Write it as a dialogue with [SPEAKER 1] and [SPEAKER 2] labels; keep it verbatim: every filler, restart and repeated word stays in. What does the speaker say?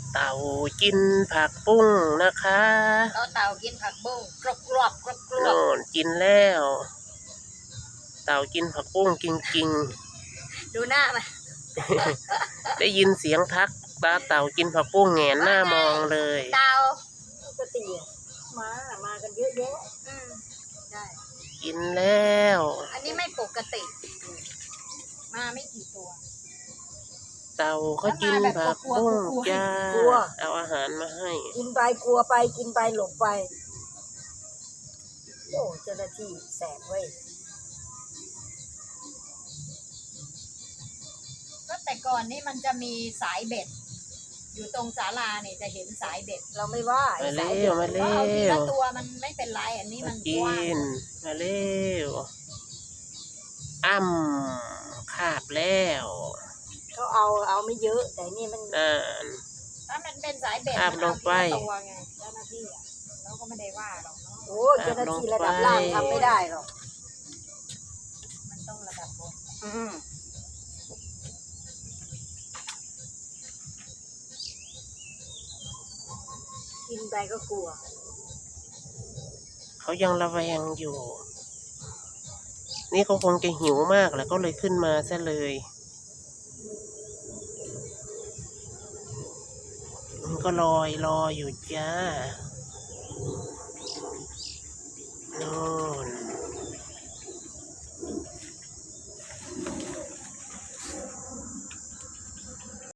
[SPEAKER 1] เต่ากินผักบุ้งนะคะ
[SPEAKER 2] เราเต่ากินผักบุ้งกรอบกรอบกรอบกรอบ
[SPEAKER 1] โน่นกินแล้วเต่ากินผักบุ้งจริง
[SPEAKER 2] ๆดูหน้ามัน
[SPEAKER 1] ได้ยินเสียงทักตาเต่ากินผักบุ้งแงนหน้ามองเลย
[SPEAKER 2] เต่า
[SPEAKER 3] ปกติมา มากันเยอะแยะ
[SPEAKER 2] อืมได้
[SPEAKER 1] กินแล้ว
[SPEAKER 2] อันนี้ไม่ปกติมาไม่กี่ตัว
[SPEAKER 1] เต่าเขากินผักบุ้งจ้าเอาอาหารมาให้
[SPEAKER 3] กินไปกลัวไปกินไปหลบไปโอ้เจ้าหน้าที่แสบเว้ย
[SPEAKER 2] ก็แต่ก่อนนี่มันจะมีสายเบ็ดอยู่ตรงศาลาเนี่ยจะเห็นสายเบ็ด
[SPEAKER 3] เราไม่ว่า
[SPEAKER 1] มาเร็วมาเร็ว
[SPEAKER 2] ตัวมันไม่เป็นไรอันนี้มัน
[SPEAKER 1] กินมาเร็วอ้ำคาบแล้ว
[SPEAKER 3] เขาเอาเอาไม่เยอะแต่นี่มัน
[SPEAKER 1] อ่า
[SPEAKER 2] ถ้ามันเป็นสายเบ็ด
[SPEAKER 1] คาบลงไป
[SPEAKER 2] ตัวไงเจ้าหน้าที่อ่ะเราก็ไม่ได้ว่าหรอกเนาะ
[SPEAKER 3] โอ้เจ้าหน้าที่ระดับล่างทำไม่ได้หรอก
[SPEAKER 2] มันต้องระดับบน
[SPEAKER 3] อืมกินไปก็กลัว
[SPEAKER 1] เขายังระแวงอยู่นี่เขาคงจะหิวมากแล้วก็เลยขึ้นมาซะเลยมันก็ลอยรออยู่จ้าโน่น